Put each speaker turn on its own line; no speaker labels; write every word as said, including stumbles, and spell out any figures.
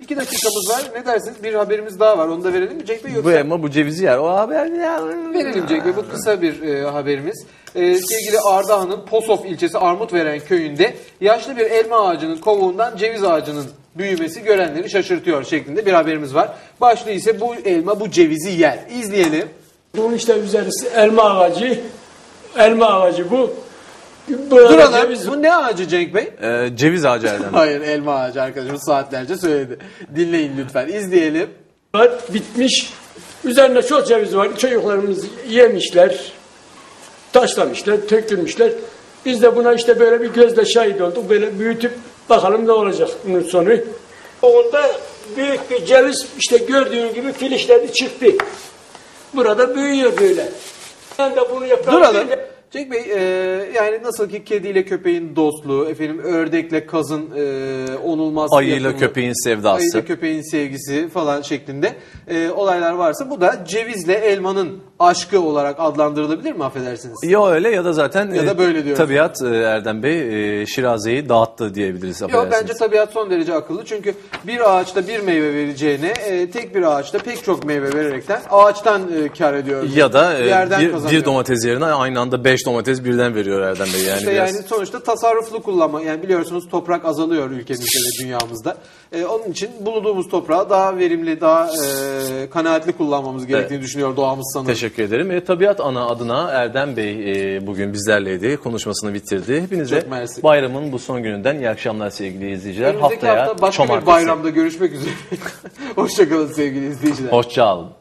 iki dakikamız var. Ne dersiniz? Bir haberimiz daha var. Onu da verelim mi Cenk Bey? Yoksa...
Bu elma bu cevizi yer. O haber ya.
Verelim Cenk Bey. Bu kısa bir e, haberimiz. E, sevgili Ardahan'ın Posof ilçesi Armutveren köyünde yaşlı bir elma ağacının kovuğundan ceviz ağacının büyümesi görenleri şaşırtıyor şeklinde bir haberimiz var. Başlığı ise bu elma bu cevizi yer. İzleyelim.
Bunun işte üzerisi elma ağacı. Elma ağacı bu. Burada
Duralım.
ceviz...
Bu ne ağacı Cenk Bey?
Ee, ceviz ağacı Erdem Bey.
Hayır, elma ağacı arkadaşımız saatlerce söyledi. Dinleyin lütfen. İzleyelim.
var, bitmiş. Üzerinde çok ceviz var. Çocuklarımız yemişler. Taşlamışlar, tökülmüşler. Biz de buna işte böyle bir gözle şahit olduk. Böyle büyütüp bakalım ne olacak bunun sonu. Onda büyük bir ceviz işte gördüğün gibi filişleri çıktı. Burada büyüyor böyle. Ben de bunu yaparım.
Duralım. Cenk Bey, e, yani nasıl ki kediyle köpeğin dostluğu, efendim ördekle kazın e, onulmaz
Ayıyla
yapımı,
köpeğin sevdası.
ayıyla köpeğin sevgisi falan şeklinde e, olaylar varsa bu da cevizle elmanın aşkı olarak adlandırılabilir mi affedersiniz?
Ya öyle ya da zaten
Ya da böyle diyoruz.
tabiat e, Erdem Bey e, Şiraze'yi dağıttı diyebiliriz.
Yok, bence tabiat son derece akıllı çünkü bir ağaçta bir meyve vereceğine e, tek bir ağaçta pek çok meyve vererekten ağaçtan e, kar ediyor.
Ya da e,
yerden
bir,
kazanıyor.
bir domates yerine aynı anda beş domates birden veriyor Erdem Bey. Yani,
İşte
biraz...
yani sonuçta tasarruflu kullanma. Yani biliyorsunuz toprak azalıyor ülkemizde ve dünyamızda. Ee, onun için bulunduğumuz toprağı daha verimli, daha e, kanaatli kullanmamız gerektiğini evet. düşünüyor doğamız sanırım.
Teşekkür ederim. E, Tabiat Ana adına Erdem Bey e, bugün bizlerleydi. Konuşmasını bitirdi. Hepinize bayramın bu son gününden iyi akşamlar sevgili izleyiciler.
Önümüzdeki
Haftaya
hafta başka bir bayramda görüşmek üzere. Hoşçakalın sevgili izleyiciler.
Hoşça kalın.